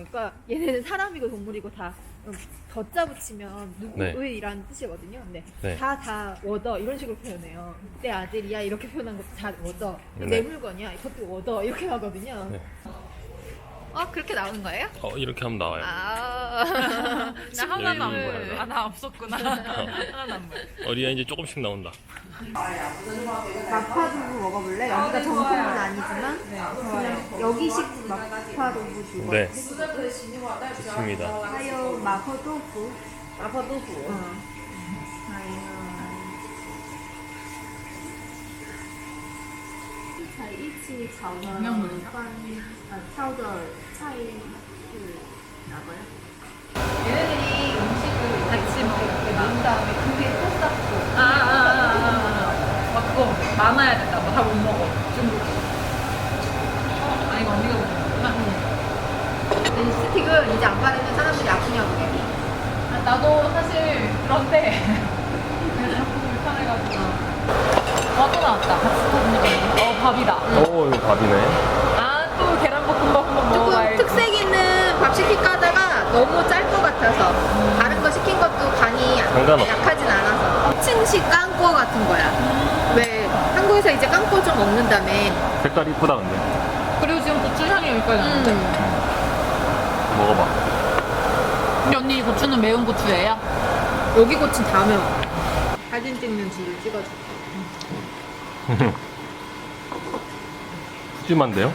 보니까 얘네는 사람이고 동물이고 다 덧자 붙이면 누구의라는 뜻이거든요. 근데 네. 다 워더 이런 식으로 표현해요. 내 아들이야 이렇게 표현한 것도 다 워더. 네. 내 물건이야 이것도 워더 이렇게 하거든요. 네. 그렇게 나오는 거예요? 이렇게 하면 나와요. 나 하나도 안 보여요. 나 없었구나. 하나도 안 보여. 리아 이제 조금씩 나온다. 마파두부 먹어볼래? 여기가 정통은 아니지만 그냥 여기식 마파두부 주고. 네. 좋습니다. 하요 마파두부. 마파두부. 才一起炒的饭，挑的菜是哪个呀？ 얘네들이 음식을 같이 먹고 나온 다음에 그게 또 쌓고. 맞고 많아야 된다. 뭐 다 못 먹어. 중국. 이거 언니가 먹는구나. 이 스틱을 이제 안 바르면 사람들이 아프냐고 해. 나도 사실 그런데 자꾸 불편해가지고. 또 나왔다. 밥이다. 오, 이거 밥이네. 또 계란볶음밥 한번 조금 먹어봐야지. 특색 있는 밥 시킬까 하다가 너무 짤 것 같아서 다른 거 시킨 것도 간이 상관없어. 약하진 않아서 층식 깡꼬 같은 거야. 왜 한국에서 이제 깡꼬 좀 먹는다며. 색깔 이쁘다 근데. 그리고 지금 고추향이 여기까지 나는데. 먹어봐. 근데 언니 고추는 매운 고추예요? 여기 고추 다 매워. 사진 찍는 줄을 찍어줄게. 푸짐한데요?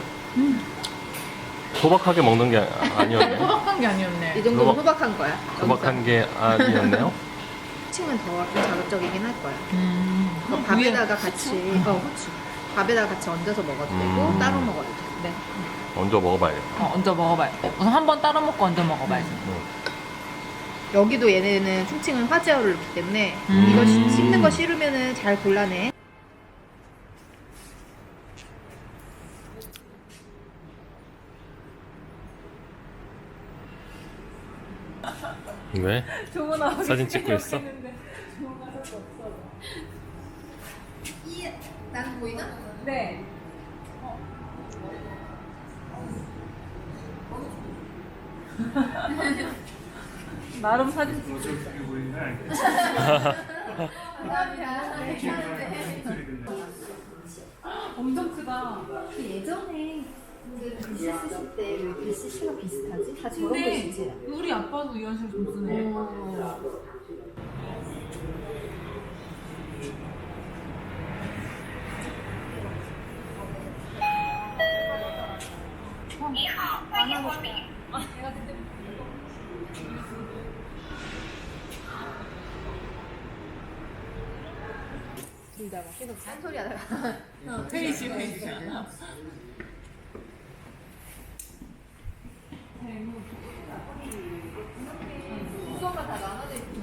소박하게 먹는 게 아니었네. 소박한 게 아니었네. 이 정도면 호박한 거야. 소박한 게 아니었네요. 층은 더 자극적이긴 할 거야. 그럼 밥에다가 같이 후추. 밥에다가 같이 얹어서 먹어도 되고 따로 먹어도 돼. 네. 얹어 먹어봐야겠다. 얹어 먹어봐야 돼. 우선 한 번 따로 먹고 얹어 먹어봐야지. 여기도 얘네는 충칭은 화재어를 넣기 때문에 이거 씹는 거 싫으면은 잘 골라내. 왜? 사진 찍고 있어? 난 보이나? 네. 나름 사진 찍고 엄청 크다. 예전에 글씨 쓰실 때 왜 글씨가 비슷하지? 다 저런 근데 글씨지. 우리 아빠도 이런 식으로 좀 쓰네. 둘 다 막 계속 딴소리 하다가 회의실. 수업만 다 나눠져 있구나.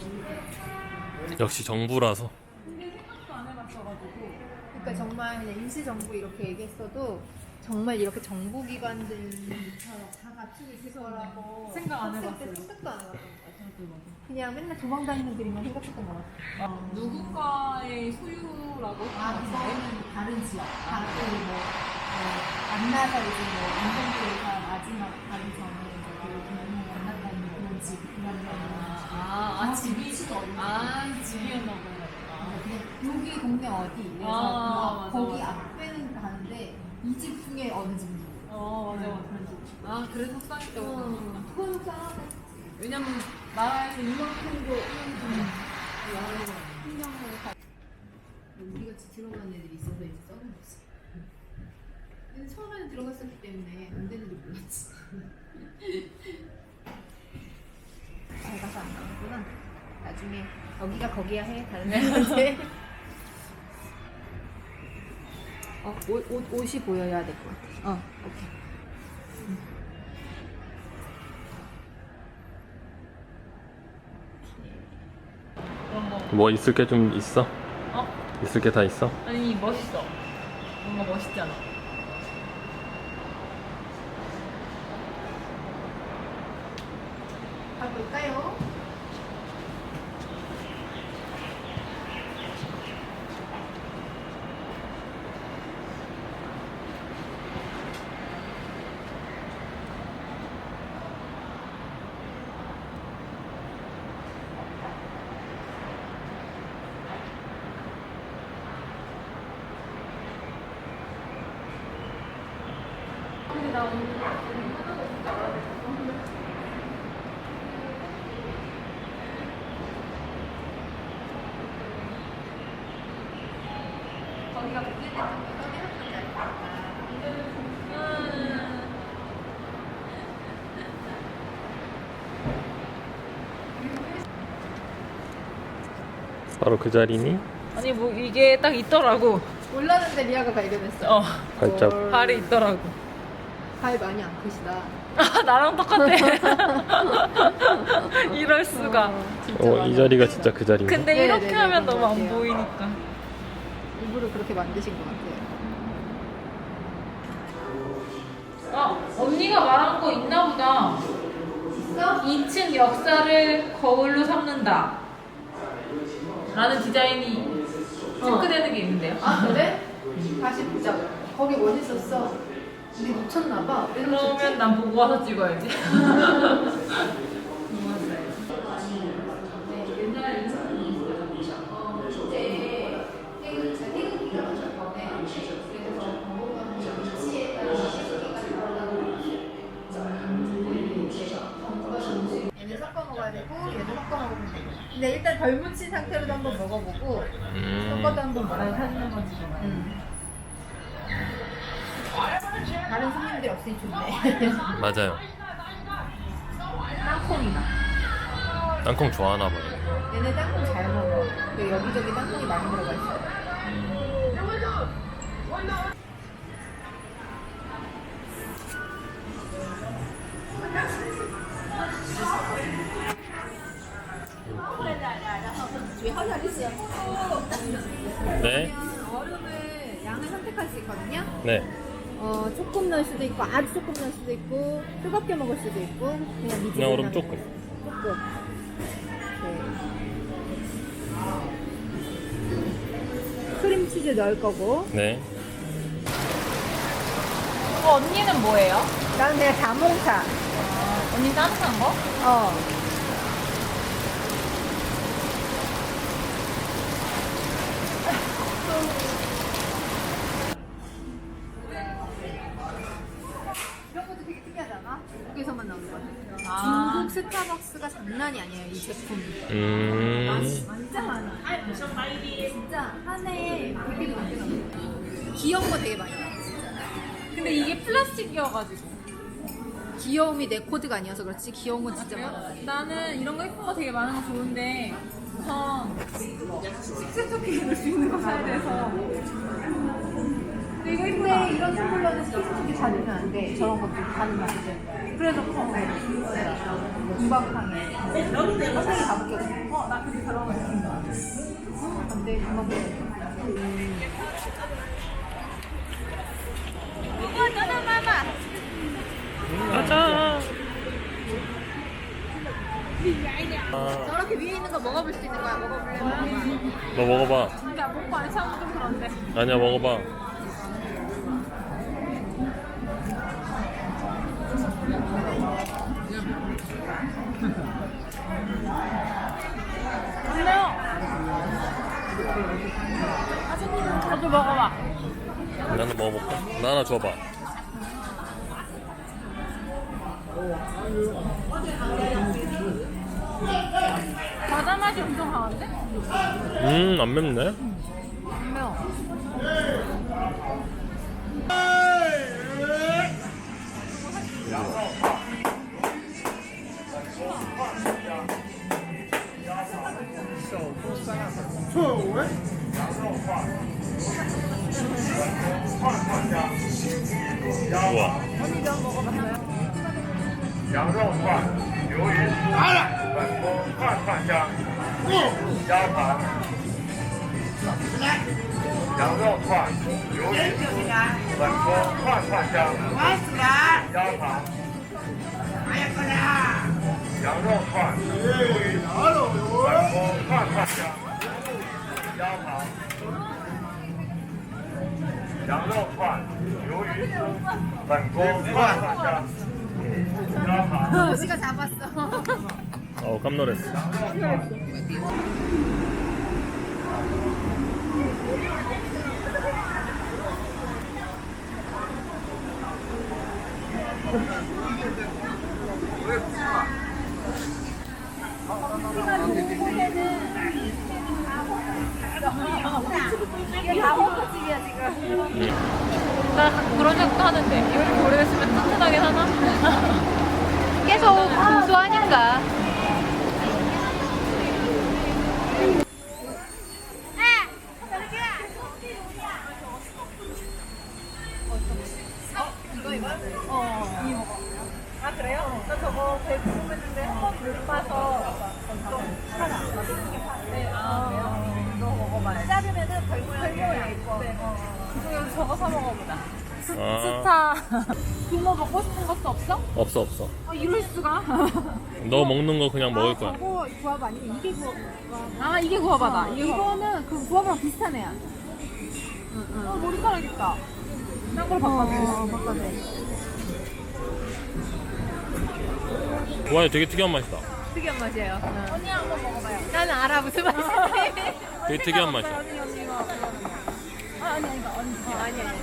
역시 정부라서. 근데 생각도 안 해봤어가지고. 그러니까 정말 그냥 임시정부 이렇게 얘기했어도 정말 이렇게 정부기관들처럼 다 갖추고 있을 거라고 생각 안 학생 해봤어요. 때 생각도 안 해봤던 것 같아요. 그냥 맨날 도망다니는 그림만 생각했던 것 같아요. 누군가의 소유라고 그거는 다른 지역. 다른 뭐 만나서 이제 뭐 인생교회가 마지막 가기 전에 이제 그 교회를 만났다는 그런 집, 그런 집이 집이었나 보다. 그냥 여기 동네 어디 이래서 맞아, 거기 맞아. 앞에는 가는데 이 집 중에 어느 집인지 맞아. 그래서 속상했다고. 그건 속상하네. 왜냐면 나라에서 이만큼도 신경을 가 우리같이 들어간 애들이 있어서 이제 써는 거지. 근데 처음에는 들어갔었기 때문에 안 되는 줄 몰랐지. 잘 가서 안 나오구나. 나중에 여기가 거기야 해. 다른 애한테. 옷이 보여야 될 것 같아. 오케이. 뭐 있을 게 좀 있어? 있을 게 다 있어? 아니 멋있어. 뭔가 멋있지 않아? 가볼까요? 거기가 문제될 정도 떠들었는지 알까? 바로 그 자리니? 아니 뭐 이게 딱 있더라고. 몰랐는데 리아가 발견했어. 발자국. 발이 있더라고. 발 많이 안 크시다. 아, 나랑 똑같아. 이럴 수가. 이 자리가 진짜 그 자리인가? 근데 네, 이렇게 네, 하면 네, 너무 안 그런 것 보이니까. 일부러 그렇게 만드신 것 같아요. 언니가 말한 거 있나 보다. 있어? 2층 역사를 거울로 삼는다. 라는 디자인이 체크되는 게 있는데요. 아 그래? 다시 보자. 거기 멋있었어. 근데 놓쳤나봐. 그러면 난 보고 와서 찍어야지. 얘는 섞어 먹어야 되고 얘도 섞어 먹으면 되고. 근데 일단 덜 묻힌 상태로도 한번 먹어보고 섞어도 한번 먹어보는 거지. 다른 손님들이 없으니 좋네. 맞아요. 땅콩이다. 땅콩 좋아하나 봐요. 얘네 땅콩 잘 먹어. 그 여기저기 땅콩이 많이 들어가 있어. 네. 얼음을 양을 선택할 수 있거든요. 네. 조금 넣을 수도 있고 아주 조금 넣을 수도 있고 뜨겁게 먹을 수도 있고 그냥 미지근하게 그냥 얼음 조금. 조금. 네. 크림치즈 넣을 거고 네. 언니는 뭐예요? 나는 그냥 자몽차. 언니 따뜻한 거? 이런 것도 되게 특이하잖아. 중국에서만 나오는 거 같아. 아. 중국 스타벅스가 장난이 아니에요, 이 제품. 진짜 많아. 진짜 한 해에 되게 많게 나와요. 귀여운 거 되게 많이 나와, 진짜. 근데 이게 플라스틱이어가지고. 귀여움이 내 코드가 아니어서 그렇지 귀여운 건 진짜 많아. 나는 이런 거 예쁜 거 되게 많은 거 좋은데 우선 식세 토끼 넣을 수 있는 거 사야 돼서. 근데 이거 예쁘다. 근데 이런 텀블러는 스티치 다 넣으면 안 돼. 저런 것도 다 넣으면 안 돼. 그래서 금방 상해. 화장이 다 벗겨져. 나 그게 저런 거 있습니다. 안 돼, 금방 벗겨져. 가자. 저렇게 위에 있는 거 먹어볼 수 있는 거야. 먹어볼래? 먹어봐. 너 먹어봐. 진짜 먹고 안 참으면 좀 그런데. 아니야, 먹어봐. 안 매워. 저도 먹어봐. 나는 먹어볼까? 나 하나 줘봐. 과자 맛이 엄청 강한데? 안 맵네. 안 매워. 우와. 羊肉串、鱿鱼丝、粉锅串串香、鸭肠。羊肉串、鱿鱼丝、粉锅串串香、鸭肠。羊肉串、鱿鱼丝、粉锅串串香、鸭肠。羊肉串、鱿鱼丝、粉锅串串香。 우리가 잡았어. 깜 놀랐어. 나 그런 생각도 하는데 이렇게 오래됐으면 튼튼하게 사나? 계속 공수하니까. 아 그래요? 나 저거 되게 궁금했는데 한번 못 봐서 좀 하나. 네, 아 그래요? 이거 먹어봐요. 자르면은 별 모양이 있고. 네. 그중에서 저거 사 먹어보자. 아, 스타. 붕어 먹고 싶은 것도 없어? 없어 없어. 아 이럴 수가? 너 먹는 거 그냥 먹을 거야. 저거 구합 아니면 이게 구합? 아 이게 구워봐다. 이거는 그 구합이랑 비슷한 애야. 머리카락 있다. 딴 걸 바꿔줘. 바꿔줘. 와, 되게 특이한 맛이다. 특이한 맛이에요. 언니 한번 먹어봐요. 나는 알아 무슨 맛인지. 되게 특이한 맛이야. 언니 이거. 아니 언니. 아니야.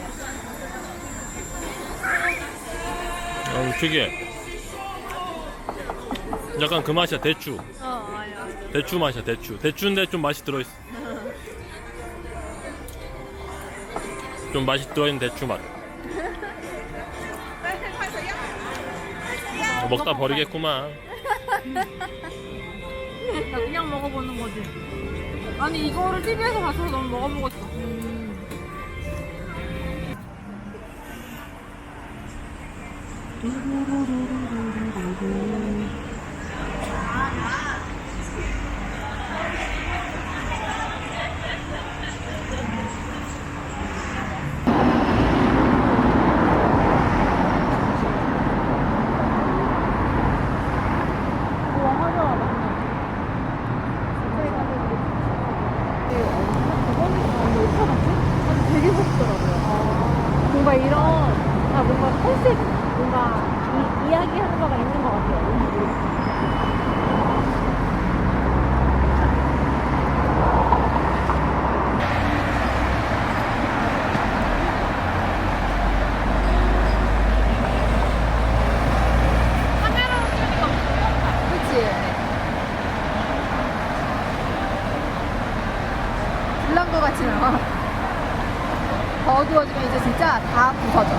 특이해. 약간 그 맛이야, 대추. 아니야. 대추 맛이야, 대추. 대추인데 좀 맛이 들어있어. 좀 맛이 들어있는 대추 맛. 먹다 버리겠구만. 나 그냥 먹어보는 거지. 아니 이거를 TV에서 봐서 너무 먹어보고 싶어. 뭔가 이런 뭔가 컨셉 뭔가 이야기하는 거가 있는 것 같아요. 그치? 불난 거 같지는 않아. 더 어두워지면 이제 진짜 다 부서져.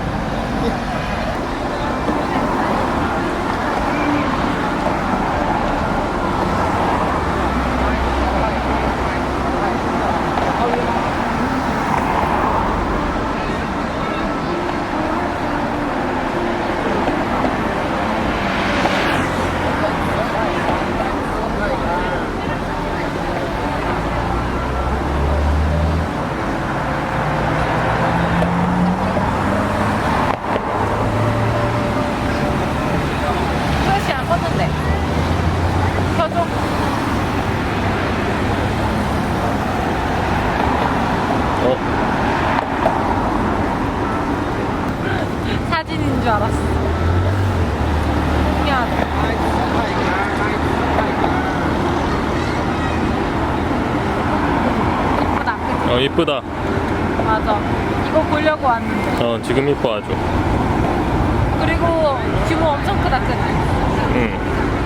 플래시 안 껐는데. 켜줘. 어, 사진인 줄 알았어. 신기하다. 이쁘다. 그치? 이쁘다. 맞아. 이거 보려고 왔는데. 지금 이뻐 아주. 그리고 규모 엄청 크다, 그치? 응.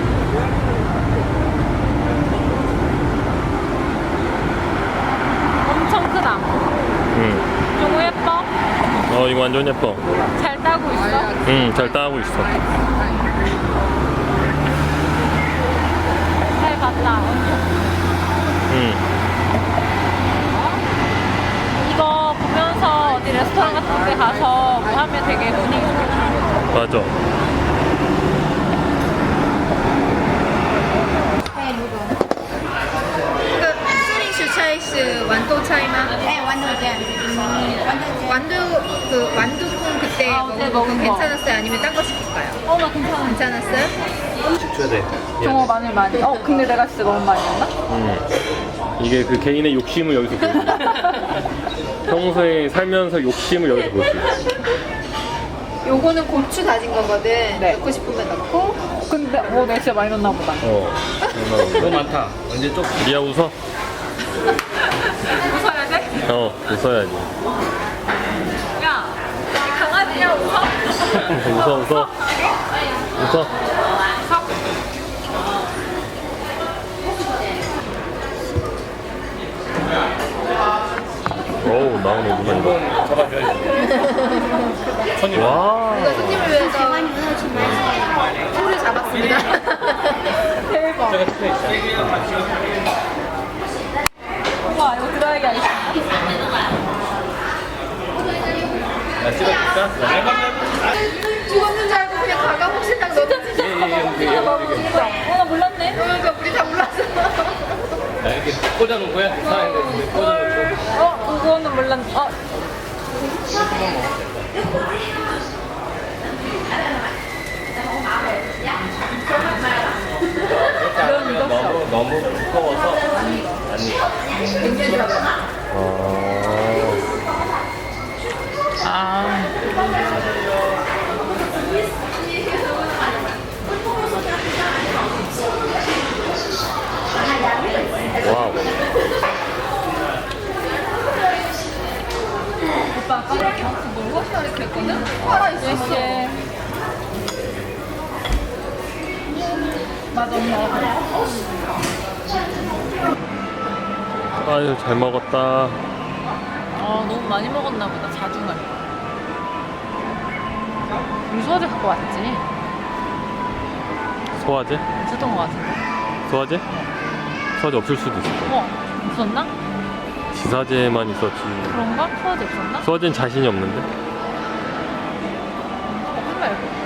엄청 크다. 응. 너무 예뻐? 이거 완전 예뻐. 잘 따고 있어? 응, 잘 따고 있어. 잘 봤다. 응. 이거 보면서 어디 레스토랑 같은 데 가서 뭐 하면 되게 분위기 좋겠다. 맞아. 수링 슈차이스 완도 차이나? 네, 완전 완두콩 그때 아, 먹은 네, 거 먹은 거. 괜찮았어요? 아니면 딴 거 시킬까요? 나 괜찮아. 괜찮았어요? 줘야 돼. 종어 마늘 많이. 근데 내가 진짜 너무 많이 했나? 응. 이게 그 개인의 욕심을 여기서 보여. 평소에 살면서 욕심을 여기서 볼 수 있어. 요거는 고추 다진 거거든. 네. 넣고 싶으면 넣고. 근데 내가 진짜 많이 넣나 보다. 너무 많다. 완전 쪽. 리아 웃어? 웃어야 돼? 웃어야지. 야, 이 강아지야 웃어? 웃어. 웃어. 어우, 나오는구나, 이거. 와. 이거 손님을 위해서 소를 잡았습니다. 대박. 우와, 이거 드라이기 아니야? 죽었는 줄 알고 그냥 가가 혹시 딱 넣었지. 나 몰랐네. 그러니까 우리 다 몰랐어. 이렇게 꽂아놓은 거야? 사람이 꽂아놓고. 그거는 몰랐네. 너무 두꺼워서 굉장히 들어가. 와우. 오빠 아까 뭘 혹시나 이렇게 했거든? 살아있어. 예시에. 맞아, 엄마. 아유, 잘 먹었다. 너무 많이 먹었나 보다. 자중할. 우리 소화제 갖고 왔지? 소화제? 있었던 거 같은데. 소화제? 소화제 없을 수도 있어. 없었나? 지사제만 있었지. 그런가? 소화제 없었나? 소화제는 자신이 없는데? 없는 말고.